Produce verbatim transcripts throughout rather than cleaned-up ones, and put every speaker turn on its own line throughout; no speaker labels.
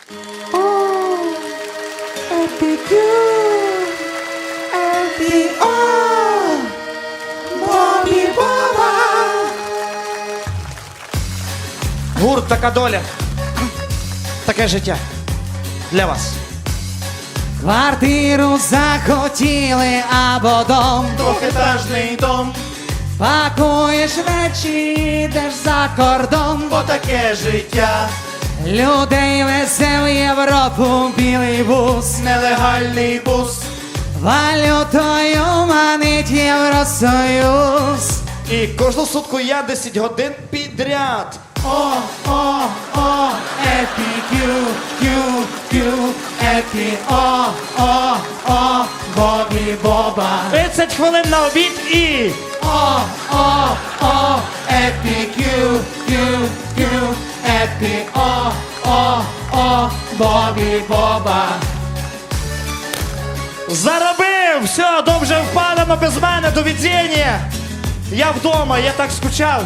О, епікюр, епі, о, Бобі Боба.
Гурт «Така доля». Таке життя. Для вас.
Квартиру захотіли або дом,
Двохетажний дом,
пакуєш речі, йдеш за кордон.
бо таке життя,
Людей везе в Європу білий бус,
нелегальний бус.
валютою манить Євросоюз.
І кожну сутку я десять годин підряд.
О, о, о, епі, кю, кю, кю, епі, о, о, о, Бобі Боба.
тридцять хвилин на обід і...
О, о, о, епі, кю, кю, кю, епі, о, о, о, Бобі Боба.
Заробив! Все, дом вже впадано без мене, до відзіння. Я вдома, я так скучав.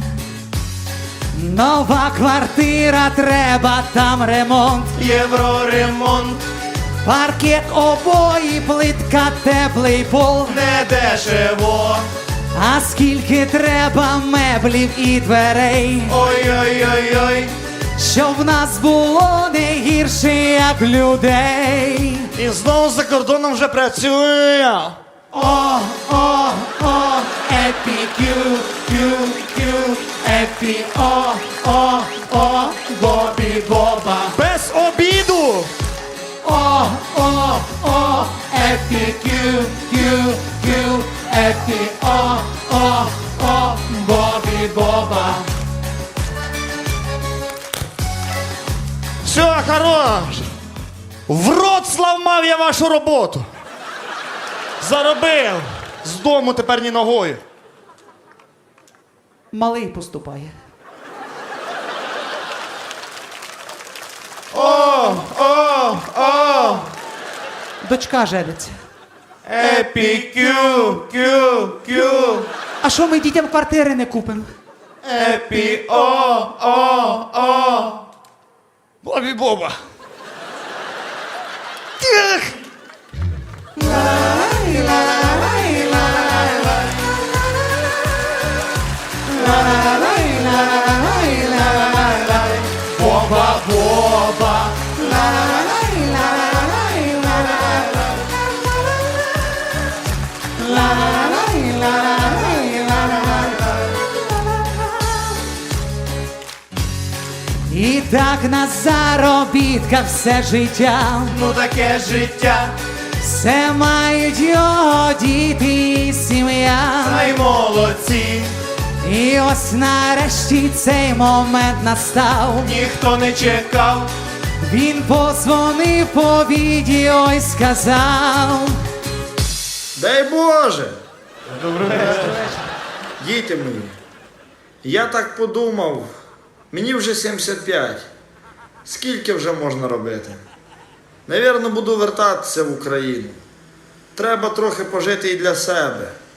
Нова квартира, треба там ремонт.
Євроремонт,
Паркет, обої, плитка, теплий пол.
не дешево.
А скільки треба меблів і дверей,
Ой-ой-ой-ой,
щоб в нас було не гірше, як людей.
І знову за кордоном вже працює.
О, о, о, епі, кю, кю, кю, епі, о, о, о, Бобі Боба.
Без обіду.
О, о, о, епі, кю, кю, кю, епі, о, о, о, Бобі Боба.
Все, хорош. В рот славмав я вашу роботу. Заробив. З дому тепер ні ногою.
Малий поступає.
о, о, о,
Дочка жениться.
епі, кю, кю, кю,
А що ми дітям квартири не купимо?
епі, о, о, о.
Бобі Боба. Тих.
Боба, Боба. І так на заробітках все життя,
Ну таке життя,
все мають його діти і сім'я.
ай молодці,
І ось нарешті цей момент настав.
ніхто не чекав.
Він позвонив по відео і сказав:
Дай Боже! Добрий вечір. Діти мої, я так подумав, мені вже сімдесят п'ять. Скільки вже можна робити? Навірно, буду вертатися в Україну. Треба трохи пожити і для себе.